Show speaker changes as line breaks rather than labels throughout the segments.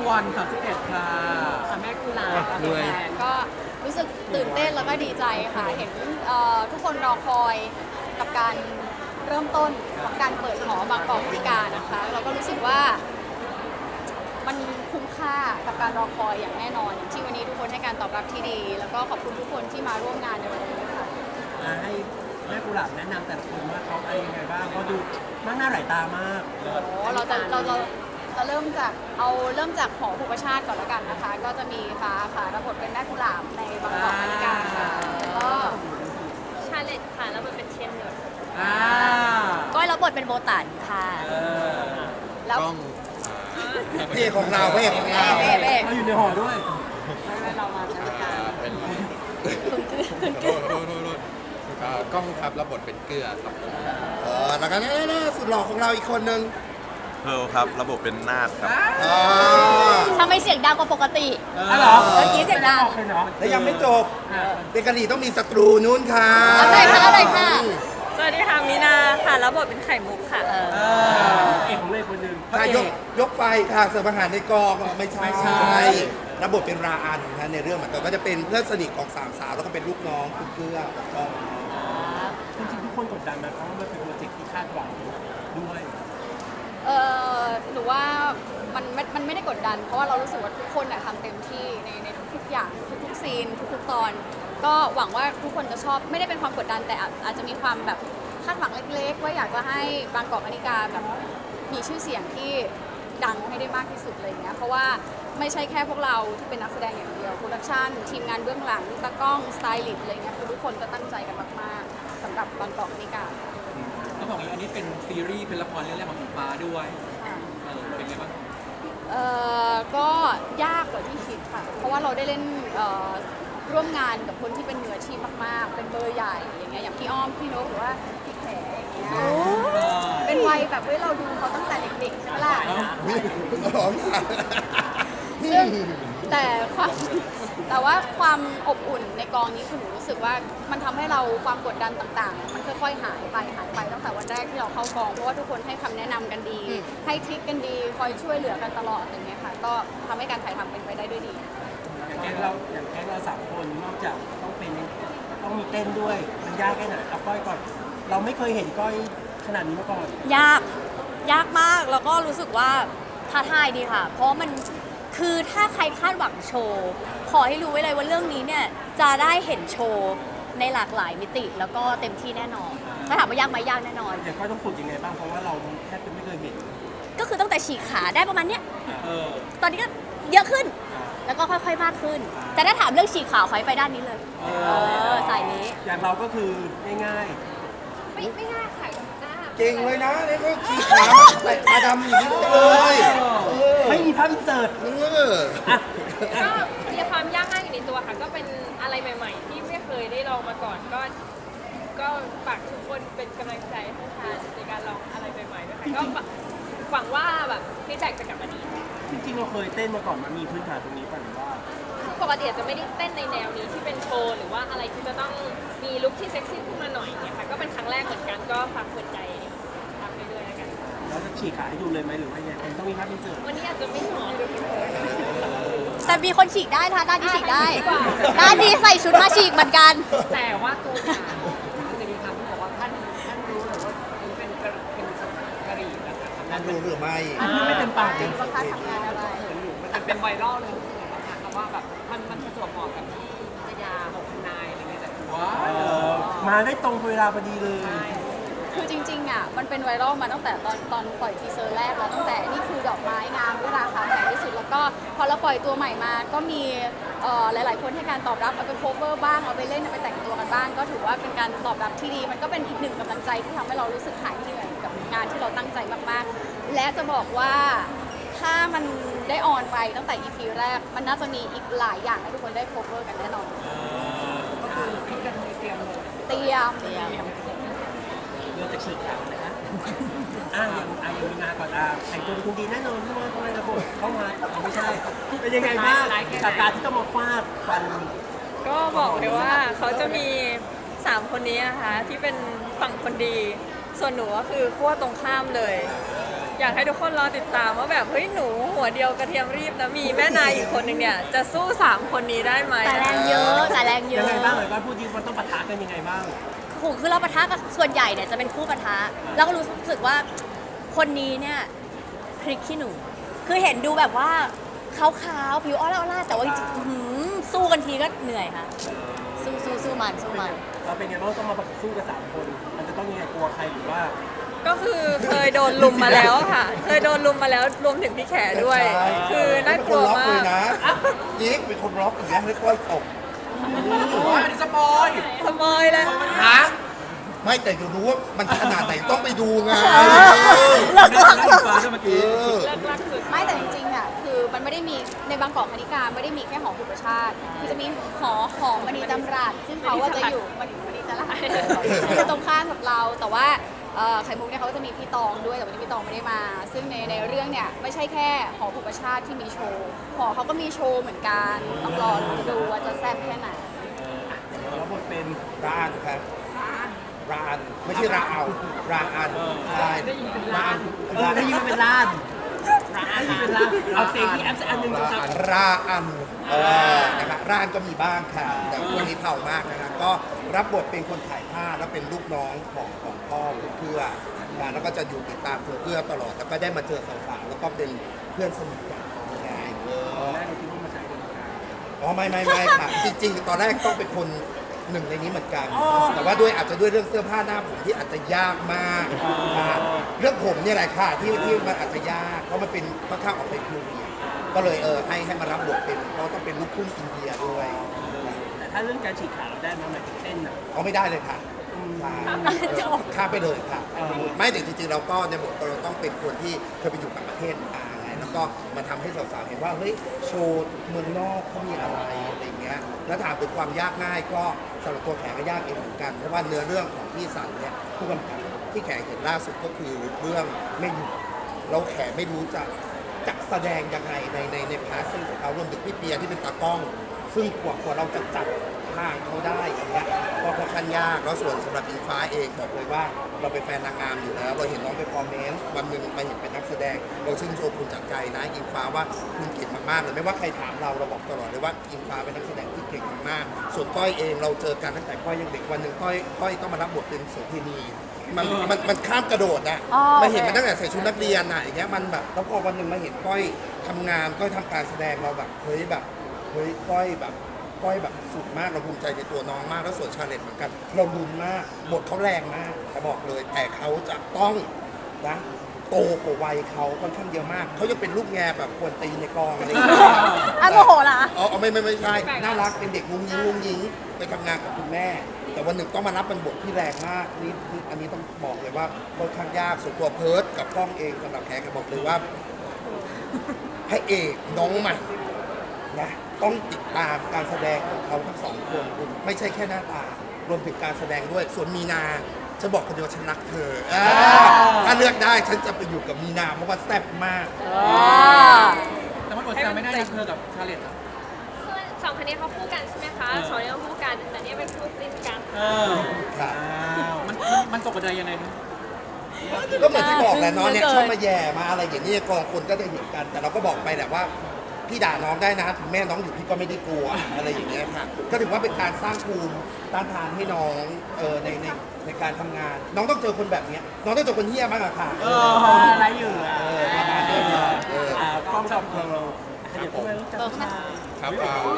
วัน31ค่ะ
แม่กุหลาบ
ด้วย
ก็รู้สึกตื่นเต้นแล้วก็ดีใจค่ะ เห็นทุกคนรอคอยกับการเริ่มต้นของการเปิดหอบางกอกพิการนะคะ เราก็รู้สึกว่ามันคุ้มค่ากับการรอคอยอย่างแน่นอนอย่างที่วันนี้ทุกคนให้การตอบรับที่ดี แล้วก็ขอบคุณทุกคนที่มาร่วมงานในวันนี้ค่ะ
ให้แม่กุหลาบแนะนำแต่ละคนว่าเขาอะไรยังไงบ้างเขาดูมากหน้าหลายตามาก
เราเริ่มจากหอภูประชาติก่อนแล้วกันนะคะ ก็จะมีฟ้าค่ะรับบทเป็นแม่กุหลาบในบางกอกพิการค่ะแล้วก็
ชาเลตค่ะแล้วมันเป็นเชนเนอร์
ก้อยรับบทเป็นโบตันค่ะแล้ว
กล้อง
พระเอกของเราพระเอกของเรา
เบ๊
เขาอยู่ในหอด้วย
เรามาใช้การ
เป็น
คุณ
โทษกล้องครับรับบทเป็นเกลือครับผม
แล้วก็นี่สุดหล่อของเราอีกคนนึง
เพร์ลครับระบบเป็นนาฏครับ
ทำไมเสียงดังกว่าปกติ
อ๋อเหรอ
เมื่อกี้เสียงดัง
เป็นเนาะ
และยังไม่จบเป็นกะหรี่ต้องมีศัตรูนู้นค่ะ
เอาเลยค่ะเอาเลยค่ะ
สวัสดีค่ะมีนาค่ะแล้วบทเป็นไข่มุกค่ะ
เอกของเลยคนหนึ่ง
ถ้ายกไฟค่ะเสิร์ฟอาหารในกองไม่ใช่ระบบเป็นราอันนะในเรื่องเหมือนกันก็จะเป็นเพื่อนสนิทของสามสาวแล้วก็เป็นลูกน้องคุณเกลือกับกอง
จริงๆทุกคนกดดันนะเพราะว่ามันเป็นโปรเจกต์ที่คาดหวังด้วย
หนูว่ามันไม่ได้กดดัน เพราะว่าเรารู้สึกว่าทุกคนทำเต็มที่ในทุกๆอย่างทุกๆซีนทุกๆตอน ก็หวังว่าทุกคนจะชอบไม่ได้เป็นความกดดันแต่อาจจะมีความแบบคาดหวังเล็กๆว่าอยากจะให้บางกอกอนิกาแบบมีชื่อเสียงที่ดังให้ได้มากที่สุดอะไรอย่างเงี้ยเพราะว่าไม่ใช่แค่พวกเราที่เป็นนักแสดงอย่างเดียวโปรดักชันทีมงานเบื้องหลังตากล้องสไตลิสต์อะไรเงี้ยคือทุกคนก็ตั้งใจกันมากๆสำหรับบางกอกอนิกา
ต้องบอกอย่างนี้อันนี้เป็นซีรีส์เป็นละครเรื่องแรกของอิงฟ้าด้วยเป็นไงบ้าง
ก็ยากกว่าที่คิดค่ะ เพราะว่าเราได้เล่นร่วมงานกับคนที่เป็นมืออาชีพมากๆ เป็นเบอร์ใหญ่อย่างเงี้ยอย่างพี่อ้อมพี่นกหรือว่าพี่แขอย่างเงี้ยเป็นวัยแบบเฮ้ยเราดูเขาตั้งแต่เด็กๆใช่ไหมล่ะ
ร้องค่ะ
ซึ่งแต่ว่าความอบอุ่นในกองนี้คือหนูรู้สึกว่ามันทำให้เราความกดดันต่างๆ มันค่อยๆหายไปตั้งแต่วันแรกที่เราเข้ากองเพราะว่าทุกคนให้คำแนะนำกันดี ให้ทริคกันดีคอยช่วยเหลือกันตลอดอย่างเงี้ยค่ะก็ทำให้การถ่ายทำเป็นไปได้ด้วยดี
อย่างแก๊งเราสามคนนอกจากต้องมีเต้นด้วยมันยากแค่ไหนเอาก้อยก่อนเราไม่เคยเห็นก้อยขนาดนี้มาก่อน
ยากมากแล้วก็รู้สึกว่าท้าทายดีค่ะ เพราะมันคือถ้าใครคาดหวังโชว์ขอให้รู้ไว้เลยว่าเรื่องนี้เนี่ยจะได้เห็นโชว์ในหลากหลายมิติ แล้วก็เต็มที่แน่นอนถ้าถามว่ายากไหมยากแน่นอน
อย่างก้อยต้องฝึกยังไงบ้างเพราะว่าเราแทบจะไม่เคยเห็น
ก็คือตั้งแต่ฉีกขาได้ประมาณเนี้ยตอนนี้ก็เยอะขึ้น แล้วก็ค่อยๆมากขึ้น แต่ถ้าถามเรื่องฉีกขาขอให้ไปด้านนี้เลยสายนี้
อย่างเราก็คือง่าย
ไม่ง่ายค่ะ
เก่งเลยนะนี่ก็ชี้ขาแต่ตาดำอย่างนี้เลย
ๆไม่มีภาพอินเสิร์ต
ก็มีความยากง่ายอยู่ในตัวค่ะ ก็เป็นอะไรใหม่ ๆ ที่ไม่เคยได้ลองมาก่อน ก็ฝากทุกคนเป็นกำลังใจให้ทานในการลองอะไรใหม่ๆด้วยค่ะก็หวังว่าแบบฟีดแบ็กจะกลับมาดี
จริงๆเราเคยเต้นมาก่อนมันมีพื้นฐานตรงนี้ป่ะหรือว่า
ปกติอาจจะไม่ได้เต้นในแนวนี้ที่เป็นโชว์หรือว่าอะไรที่จะต้องมีลุคที่เซ็กซี่ขึ้นมาหน่อยเนี่ยค่ะก็เป็นครั้งแรกเหมือนกันก็ฝากเปิดใจทำไปด้วยแล้วกัน
เราจะฉีกขาให้ดูเลยไหมหรือว่ายังไงต้องมีภาพอินเสิร์ต
วันนี้อาจจะไม่เหมาะ
แต่มีคนฉีกได้นะคะด้านนี้ฉีกได้ด้านนี้ใส่ชุดมาฉีกเหมือนกัน
แต่ว่าตัวอย่างมันจะมีคำที่บอกว่าท่านรู้หรือว่าเป็นกะหรี่นะคะ
นั่นรู้หรือไม่
ไม่เต็มปาก
จริงว่าค่าทำงานอะไร
มันเป็นไวรัลเลยนะคะว่าแบบมันประจวบเหมาะกับที่พัทยาของคุณนายอะไรเงี้ยแต่
มาได้ตรงเวลาพอดีเลย
คือจริงๆมันเป็นไวรัลมาตั้งแต่ตอนปล่อยทีเซอร์แรกแล้วตั้งแต่นี่คือดอกไม้งามด้วยราคาแพงที่สุดแล้วก็พอเราปล่อยตัวใหม่มาก็มีหลายๆคนให้การตอบรับเอาไปโคเวอร์บ้างเอาไปเล่นเอาไปแต่งตัวกันบ้างก็ถือว่าเป็นการตอบรับที่ดีมันก็เป็นอีกหนึ่งกำลังใจที่ทำให้เรารู้สึกหายเหนื่อยกับงานที่เราตั้งใจมากๆ และจะบอกว่าถ้ามันได้ออนไปตั้งแต่ EP แรกมันน่าจะมีอีกหลายอย่างให้ทุกคนได้โคเวอร์กันแน่นอน
ก็คือพี่กระเทยเตรียมเลย
เตรียม
เรื่องจะฉีกขานะคะยังมีนาก่อนแต่งตัวเป็นคุณดีแน่นอนเพราะว่าทำไมระบบเข้ามาไม่ใช่ เป็นยังไงบ้างจากการที่ต้องมาฟาดฟัน
ก็บอกเลยว่าเขาจะมี 3 คนนี้นะคะที่เป็นฝั่งคนดี ส่วนหนูก็คือขั้วตรงข้ามเลยอยากให้ทุกคนรอติดตามว่าแบบเฮ้ยหนูหัวเดียวกระเทียมรีบนะมีแม่นายอีกคนหนึ่งเนี่ยจะสู้3คนนี้ได้ไหม
แต่แรงเยอะแต่แรงเย
ยั
อะ
งไงบ้างเลยว่าพูดจริงมันต้องปะทะกันยังไงบ้าง
คือเราปะทะกับส่วนใหญ่เนี่ยจะเป็นคู่ปะทะแล้วก็รู้สึกว่าคนนี้เนี่ยพริกขี้หนูคือเห็นดูแบบว่าขาวๆผิวอ้อล่าแต่ว่าจริงๆอื้อหือสู้กันทีก็เหนื่อยค่ะสู้มัน
เราเป็นไงบ้างต้องมาสู้กับ3คนมันจะต้องยังไงกลัวใครหรือว่า
ก็คือเคยโดนลุมมาแล้วค่ะ เคยโดนลุมมาแล้วรวมถึงพี่แขด้วย คือน่ากลัวมาก
ยิกเป็นคนร็อกอย่างเงี้ยให้ก้อยตก
ว่าอันนี้สปอย
สมอยเลย
ฮะ
ไม่แต่อยู่รู้ว่ามันขนาดไหนต้องไปดูไง
เลิกลัก
อิงฟ้าด้วยเมื่อกี้
เลิกลักสุด
ไม่แต่จริงๆอ่ะคือมันไม่ได้มีในบางกอกคณิกาไม่ได้มีแค่หอบุปชาติคือจะมีหอมณีจำรัดซึ่งเขาว่าจะอยู่มณีจำรัดจะตรงข้ามกับเราแต่ว่าไข่มุกเนี่ยเขาจะมีพี่ตองด้วยแต่วันนี้พี่ตองไม่ได้มา ซึ่งในเรื่องเนี่ยไม่ใช่แค่หอบุปชาติที่มีโชว์หอเขาก็มีโชว์เหมือนกันต้องรอดูว่าจะแซ่บแค่ไหน
แล้วบทเป็น
ร้านครับร้านไม่ใช่ราเอาราอันใช่ร้าน
ได้ยินเป็นล้านได้ยินเป็นล้านเอาเสียงที่แอปอันหนึ่งสัก
ราอันนะครับร้านก็มีบ้างค่ะแต่คนนี้เผ่ามากนะครับก็รับบทเป็นคนถ่ายภาพแล้วเป็นลูกน้องของพ่อคุณเกื้อนะแล้วก็จะอยู่ติดตามคุณเกื้อตลอดแล้วก็ได้มาเจอสาวๆแล้วก็เป็นเพื่อนสนิทกันไง
แรกเราคิดว่ามาใช้คนกลาง
อ๋อไม่ค่ะจริงๆตอนแรกต้องเป็นคนหนึ่งในนี้เหมือนกัน แต่ว่าด้วยอาจจะด้วยเรื่องเสื้อผ้าหน้าผมที่อาจจะยากมากครับเรื่องผมเนี่ยแหละค่ะที่มันอาจจะยากเพราะมันเป็นค่อนข้างออกเป็นครูเดียก็เลยให้มารับบทเป็นเพราะต้องเป็นลูกครึ่งอินเดียด้วย
แต่ถ้าเรื่องการฉีกขาเราได้ไหมหมายถึงเต้นอ่ะ
เอาไม่ได้เลยค่ะใช่ข้ามไปเลยค่ะไม่แต่จริงๆเราก็ในบทเราต้องเป็นคนที่เคยไปอยู่ต่างประเทศมาไงแล้วก็มาทำให้สาวๆเห็นว่าเฮ้ยโชว์เมืองนอกเขามีอะไรอย่างเงี้ยแล้วถามถึงความยากง่ายก็สำหรับตัวแขกก็ยากเองเหมือนกันเพราะว่าเนื้อเรื่องของพี่สันเนี่ยผู้กำกับที่แขกเห็นล่าสุดก็คือเรื่องไม่อยู่เราแขกไม่รู้จะแสดงยังไงในพาร์ทซึ่งของเขารวมถึงพี่เปียที่เป็นตากล้อง ซึ่งกว่าเราจะจับทางเขาได้อย่างเงี้ยก็ค่อนข้างยากแล้วส่วนสำหรับอิงฟ้าเองบอกเลยว่าเราเป็นแฟนนางงามอยู่แล้วเราเห็นน้องไปคอมเมนต์วันหนึ่งมาเห็นเป็นนักแสดงเราชื่นชมคุณจากใจนะอิงฟ้าว่าคุณเก่งมากๆเลยไม่ว่าใครถามเราบอกตลอดเลยว่าอิงฟ้าเป็นนักแสดงที่เก่งมากๆส่วนก้อยเองเราเจอกันตั้งแต่ก้อยยังเด็กวันหนึ่งก้อยต้องมารับบทเป็นโสเภณีมันข้ามกระโดดอะ
อ๋อ
มาเห็นมันตั้งแต่ใส่ชุดนักเรียนอะอย่างเงี้ยมันแบบแล้วพอวันหนึ่งมาเห็นก้อยทำงานก้อยทำการแสดงเราแบบเฮ้ยก้อยแบบสุดมากเราภูมิใจในตัวน้องมากแล้วส่วนชาเลนจ์เหมือนกันเราลุ้นมากบทเขาแรงมากแต่บอกเลยแต่เขาจะต้องนะโตกว่าวัยเขาค่อนข้างเยอะมากเขาจะเป็นลูกแงแบบควรตีในกองอะไรอย่างเงี้ย
อ่ะโมโหเหรอ
อ๋อไม่ใช่น่ารักเป็นเด็กงุ้งยิงไปทำงานกับคุณแม่ แต่วันหนึ่งต้องมารับเป็นบทที่แรงมากนี่อันนี้ต้องบอกเลยว่าค่อนข้างยากส่วนตัวเพิร์ดกับกล้องเองสำหรับแขกบอกเลยว่าพระเอกน้องใหม่นะต้องติดตามการแสดงของเขาทั้งสองคนไม่ใช่แค่หน้าตารวมถึงการแสดงด้วยส่วนมีนาฉันบอกคนเดียวฉันรักเธอถ้าเลือกได้ฉันจะไปอยู่กับมีนาเพราะว่าแซ่บมาก
แต่มันอดแซวไม่ได้นะเธอกับชาเลตอ่ะ
คือสองคนนี้เขาคู่กันใช่ไหมคะสองนี้เขาคู่กันแต่เนี่ยเป็นคู่จิ้นกัน
ครับ
มันตกกระไดยังไงนะ
ก็เหมือนที่บอกแหละน้องเนี่ย
เกิน
ชอบมาแย่มาอะไรอย่างนี้กองคนก็จะเห็นกัน แต่เราก็บอกไปแหละว่าพี่ด่าน้องได้นะถึงแม่น้องอยู่พี่ก็ไม่ได้กลัวอะไรอย่างเงี้ยค่ะก็ถือว่าเป็นการสร้างภูมิต้านทานให้น้องในการทำงาน น้องต้องเจอคนแบบเนี้ยน้องต้องเจอคนเหี้ยมากอะค่ะ
อะไรอยู่อ่ะ
ประมาณนี้ค่ะ
กล้องกับเราขยับเข้ามารู้จักค่ะ
ครับ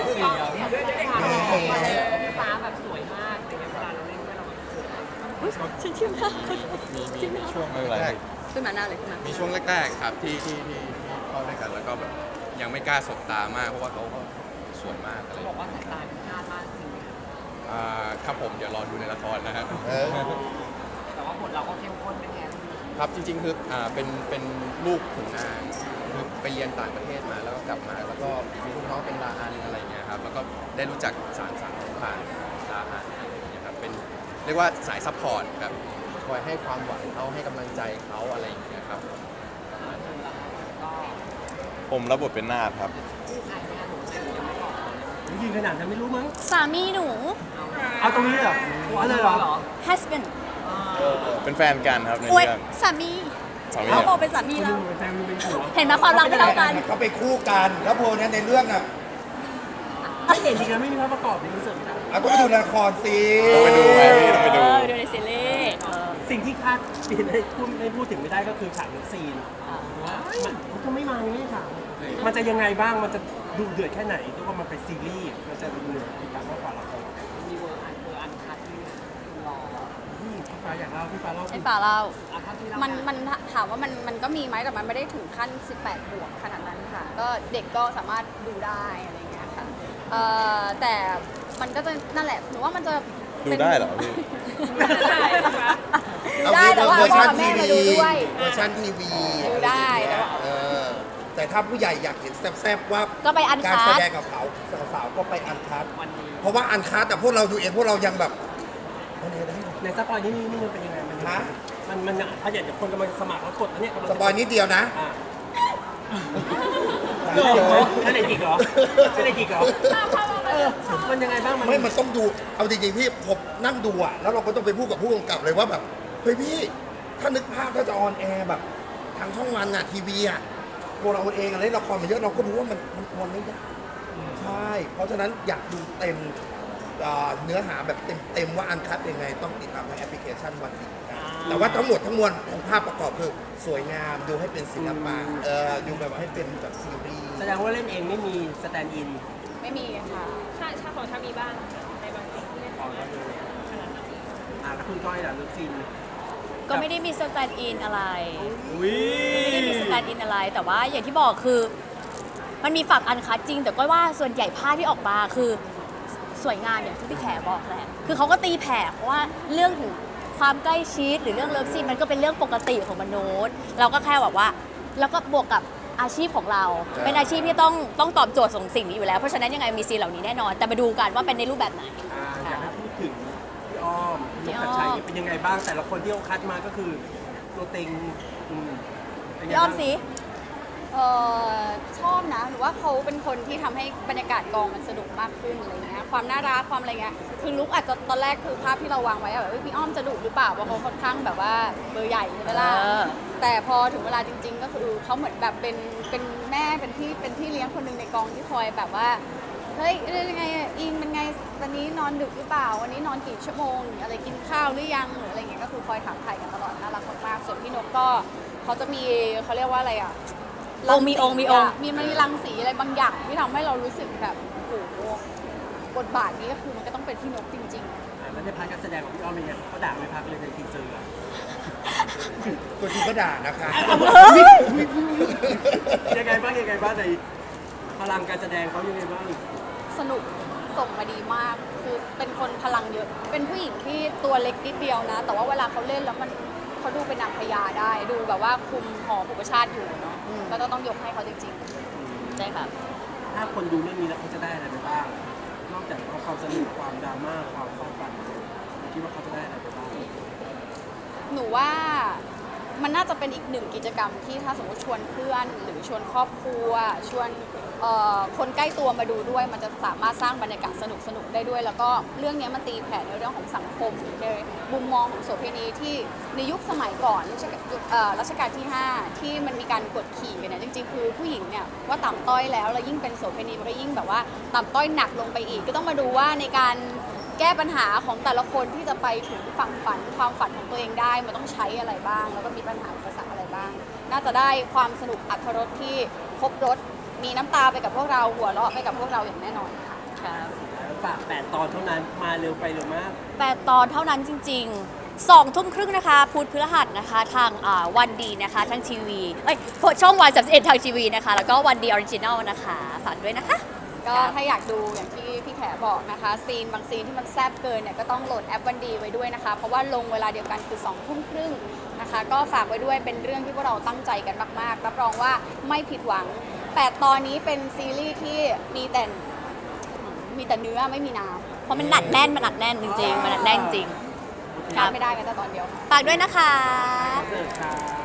ฟ้าแบบสวยมากอะไรเงี้ยเวลาเราเล่นด้วยเราแบบ
ฉันเชื่อมาก
มีช่วงแรก
ขึ้นมาหน้าเลยขึ้นมา
มีช่วงแรกๆครับที่เข้าด้วยกันแล้วก็แบบยังไม่กล้าสบตามากเพราะว่าเขาก็สวยมากอะไร
บอกว่าสายตาพิฆาตมากจริงไหมคะ
ครับผมเดี๋ยวรอดูในละครนะครับ
แต่ว่าบทเราก็เข้มข้นเป็นไง
ครับจริงๆคือเป็นลูกขุนนางคือไปเรียนต่างประเทศมาแล้วก็กลับมาแล้วก็มีลูกน้องเป็นลาอันอะไรเงี้ยครับแล้วก็ได้รู้จักสารผ่านลาอันอะไรอย่างเงี้ยครับเป็นเรียกว่าสายซัพพอร์ตครับคอยให้ความหวังเขาให้กำลังใจเขาอะไรอย่างเงี้ยครับผมรับบทเป็นนาฏครับ
ยืนขนาดนั้นไม่รู้มั้ง
สามีหนู
เอาตรงนี้เหรอเอาเลยเหรอ
husband
เป็นแฟนกันครับใน
โอ้ย
เรื่อง
สามี
สามี
เขา
อะ
บอกเป็นสามี
คนห
เรา
นึงเป็นแฟนคนหนึงเป็นผัว
เห็นไหมความรักไม่เท่ากัน
เขาไปคู่กันแล้วโพเนี่ยในเรื่องอ่ะ
ไม่เห็นจริงนะไม่มีภาพประกอบในคอนเสิร์ตนะ
เอาต้องไปดูละครสิ
ต้องไปดูไหมพี่ต้องไปดู
ดูในซีรีส์
สิ่งที่คาดไม่พูดถึงไม่ได้ก็คือฉากเลิฟซีนมันก็ไม่มาไม่ฉากมันจะยังไงบ้างมันจะดูเดือดแค่ไหนด้วยว่ามันเป็นซีรีส์มันจะดูเดือดมากกว่าละคร
มีเวอร์อันคัดที่รอ
พี่ฟ้าอยากเล่าพี่ฟ้าเล่า
ไอ้ป่าเรา
อ่ะถ้าที่เรา
มันถามว่ามันก็มีไหมแต่มันไม่ได้ถึงขั้น 18 บวกขนาดนั้นค่ะ ก็เด็กก็สามารถดูได้อะไรอย่างเงี้ยค่ะแต่มันก็จะนั่นแหละหนูว่ามันจะ
ดูได้เหรอพี่
เอา
ได้แต่ว่า
เวอร์
พ่อ
ชัน
กับ
ที
แม่มา
วี
ดูด้วย
เวอร์ชันทีวี
ดูได้แต่ว่า
เออแต่ถ้าผู้ใหญ่อยากเห็นแซ่บๆว่า
ก็ไปอัน
การ
คั
แส
ด
ดงกับเขาสาวๆก็ไปอันคัด
วันนี้
เพราะว่าอันคัดแต่พวกเราดูเองพวกเรายังแบบเอาเนี่ยได้เหรอ
ในสปอยนี่มันเป็นยังไง
ฮะ
มันถ้าอยากจะคนกำลังสมัครแล้วกดอันเนี้ยกำลัง
สปอยนิดเดียวนะ
อ่ะนั่นเด็กอีกเหรอนั่นเด็กอีกเหรอมันยังไงบ้าง
ไม่มันต้องดู เอาจริงๆพี่ผมนั่งดูอะแล้วเราก็ต้องไปพูดกับผู้กำกับเลยว่าแบบ เฮ้ยพี่ ถ้านึกภาพถ้าจะออนแอร์แบบทางช่องวันอะทีวีอะพวกเราเองอะเล่นละครมาเยอะเราก็รู้ว่ามันออนไม่ได้ ใช่ เพราะฉะนั้นอยากดูเต็มเนื้อหาแบบเต็มว่าอันคัดยังไงต้องติดตามทางแอปพลิเคชันวันดีนะแต่ว่าทั้งหมดทั้งมวลของภาพประกอบคือสวยงามดูให้เป็นศิลปะดูแบบว่าให้เป็นแบบซีรีส์
แสดงว่าเล่นเองไม่มีสแตนด์อิน
ไม่มีค่ะ
ชาของชามีบ้างในบางสิ่งที่ได้ทำ
แล้วคุณก้อยล่ะเลิฟซีน
ก็ไม่ได้มีสแตนด์อินอะไร
อุ้ย
ไม่ได้มีสแตนด์อินอะไร แต่ว่าอย่างที่บอกคือ มันมีฝักอันคัดจริง แต่ก็ว่าส่วนใหญ่ภาพที่ออกมาคือสวยงามอย่างที่พี่แขบอกแหละ คือเขาก็ตีแผ่เพราะว่าเรื่องถึงความใกล้ชิดหรือเรื่องเลิฟซีนมันก็เป็นเรื่องปกติของมนุษย์ เราก็แค่แบบว่า แล้วก็บวกกับอาชีพของเรา เป็นอาชีพที่ต้องตอบโจทย์ของสิ่งนี้อยู่แล้ว เพราะฉะนั้นยังไงมีซีนเหล่านี้แน่นอน แต่มาดูกันว่าเป็นในรูปแบบไหน
อยากให้พูดถึงพี่อ้อมนกชัดชัยเป็นยังไงบ้างแต่ละคนที่เขาคัดมาก็คือตัวเต็งเป็นไง
พี่อ้อม
บ้าง
สิ
ชอบนะหรือว่าเขาเป็นคนที่ทำให้บรรยากาศกองมันสนุกมากขึ้นอะไรเงี้ยความน่ารักความอะไรเงี้ยคือลุกอาจจะตอนแรกคือภาพที่เราวางไว้อะแบบพี่อ้อมจะดุหรือเปล่าเพราะเขาค่อนข้างแบบว่าเบอร์ใหญ่ใช่ไหมล่ะแต่พอถึงเวลาจริง ๆ ก็คือเขาเหมือนแบบเป็นแม่เป็นพี่เลี้ยงคนหนึ่งในกองที่คอยแบบว่าเฮ้ยยังไงอิงเป็นไงวันนี้นอนดึกหรือเปล่าวันนี้นอนกี่ชั่วโมงอะไรกินข้าวหรือยังหรืออะไรเงี้ยก็คือคอยถามไถ่กันตลอดน่ารักมากๆส่วนพี่นกก็เขาจะมีเขาเรียกว่าอะไรอ่ะ
มีองค์
มันมีรังสีอะไรบางอย่างที่ทำให้เรารู้สึกแบบโอ้โหบทบาทนี้ก็คือมันก็ต้องเป็นพี่นกจริง
แล้วในพาร์ทการแสดงของพี่อ้อมเป็นไงเขาด่าไม่พักเลยในทีเซอร์อะ
ตัวจริงก็ด่านะคะ
ยังไงบ้างในพลังการแสดงเขายังไงบ้าง
ๆ สนุกส่งมาดีมาก คือเป็นคนพลังเยอะ เป็นผู้หญิงที่ตัวเล็กนิดเดียวนะ แต่ว่าเวลาเขาเล่นแล้วเขาดูเป็นนางพญาได้ ดูแบบว่าคุมหอปุปชาติอยู่เนาะก็ต้องยกให้เขาจริงๆ
ใช่ค่ะ
ถ้าคนดูเรื่องนี้แล้วเขาจะได้อะไรไปบ้าง นอกจากความสนุกความดราม่าความฟาดฟันคิดว่าเขาจะได้อะไรไปบ้าง
หนูว่ามันน่าจะเป็นอีกหนึ่งกิจกรรมที่ถ้าสมมติชวนเพื่อนหรือชวนครอบครัวชวนคนใกล้ตัวมาดูด้วย มันจะสามารถสร้างบรรยากาศสนุกได้ด้วย แล้วก็เรื่องนี้มันตีแผ่ในเรื่องของสังคมในมุมมองของโสเภณีที่ในยุคสมัยก่อนรัชกาลที่ 5 ที่มันมีการกดขี่กันเนี่ยจริงๆคือผู้หญิงเนี่ยว่าต่ำต้อยแล้วยิ่งเป็นโสเภณีมันก็ยิ่งแบบว่าต่ำต้อยหนักลงไปอีกก็ต้องมาดูว่าในการแก้ปัญหาของแต่ละคนที่จะไปถึงฝั่งฝันความฝันของตัวเองได้มันต้องใช้อะไรบ้าง แล้วก็มีปัญหาอุปสรรคอะไรบ้าง น่าจะได้ความสนุกอรรถรสที่ครบรสมีน้ำตาไปกับพวกเราหัวเราะไปกับพวกเราอย่างแน่นอนค่ะ
ฝาก8 ตอนเท่านั้นมาเร็วไปเร็วมาก
8 ตอนเท่านั้นจริงๆ2 ทุ่มครึ่งนะคะพุธพฤหัสนะคะทางวันดีนะคะทางทีวีช่องวัน31ทางทีวีนะคะแล้วก็วันดีออริจินัลนะคะฝากด้วยนะคะ
ก็ถ้าอยากดูอย่างที่พี่แขบอกนะคะซีนบางซีนที่มันแซ่บเกินเนี่ยก็ต้องโหลดแอปวันดีไว้ด้วยนะคะเพราะว่าลงเวลาเดียวกันคือ2 ทุ่มครึ่งนะคะก็ฝากไว้ด้วยเป็นเรื่องที่พวกเราตั้งใจกันมากๆรับรองว่าไม่ผิดหวัง8 ตอนนี้เป็นซีรีส์ที่มีแต่เนื้อไม่มีน้ำ
เพราะมันหนักแน่นจริงๆมันหนักแน่นจริง
พลาดไม่ได้แม้แต่ตอนเดียว
ฝากด้วยนะคะ
เสิร์ฟค่ะ